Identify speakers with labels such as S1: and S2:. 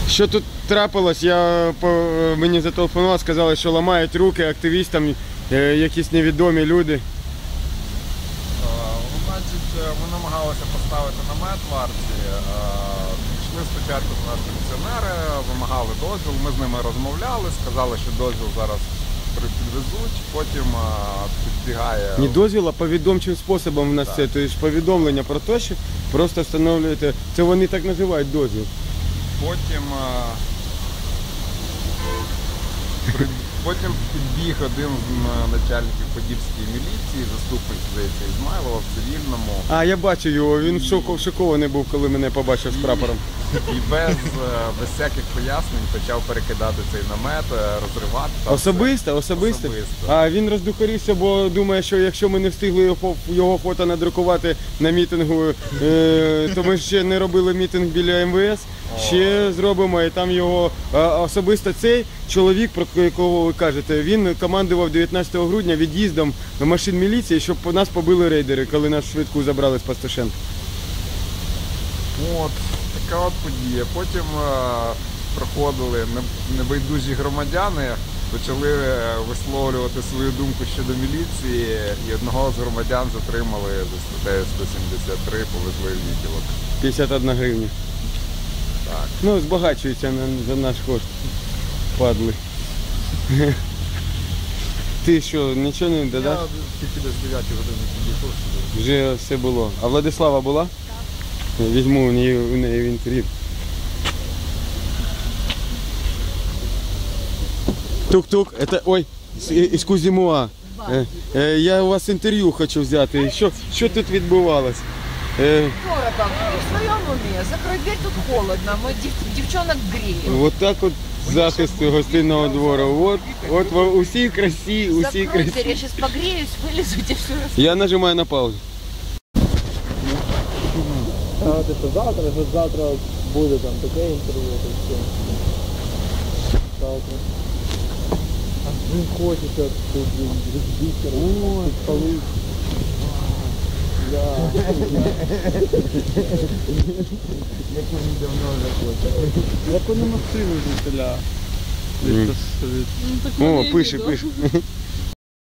S1: Що тут трапилось? Мені зателефонували, сказали, що ламають руки активістам, якісь невідомі люди.
S2: Значить, ми намагалися поставити намет в арці. Пішли спочатку до нас пенсіонери, вимагали дозвіл, ми з ними розмовляли, сказали, що дозвіл зараз підвезуть, потім підбігає...
S1: Не дозвіл, а повідомчим способом в нас це. Тобто повідомлення про те, що просто встановлюєте, це вони так називають дозвіл.
S2: Потім підбіг один з начальників Подільської міліції, заступник, здається, Ізмайлова в цивільному.
S1: А, я бачу його, він шокований був, коли мене побачив з прапором.
S2: І без всяких пояснень почав перекидати цей намет, розривати.
S1: Особисто? А він роздухарився, бо думає, що якщо ми не встигли його фото надрукувати на мітингу, то ми ще не робили мітинг біля МВС, ще зробимо, і там його особисто цей чоловік, про якого ви кажете, він командував 19 грудня від'їздом машин міліції, щоб нас побили рейдери, коли нас швидку забрали з Пастушенка.
S2: От, така от подія. Потім проходили небайдужі громадяни, почали висловлювати свою думку щодо міліції, і одного з громадян затримали за статтею 173, повезли в відділок.
S1: 51 гривня.
S2: Так.
S1: Ну, збагачуються за наш кошт. Падли. Ти що, нічого не додаш?
S2: Я тільки десь 9 години підійшов сюди.
S1: Вже все було. А Владислава була? Так. Візьму у неї інтерв'ю. Тук-тук, это, ой, із Кузімуа. Я у вас інтерв'ю хочу взяти. Що тут відбувалось?
S3: Скоро там, в своем уме, закрой дверь, тут холодно, мы девчонок греем.
S1: Вот так вот захист гостинного двору. Вот усі красі, усі
S3: Закрой
S1: красі.
S3: дверь, я сейчас погреюсь, вылезу, тебе все раз.
S1: Я нажимаю на паузу.
S4: Завтра буде там таке інтерв'ю, то все. Завтра. А він хочеться тут розбити, підпалити.
S2: Як вони давно вже хочуть.
S4: Як вони машину звідтиля?
S1: О, пише.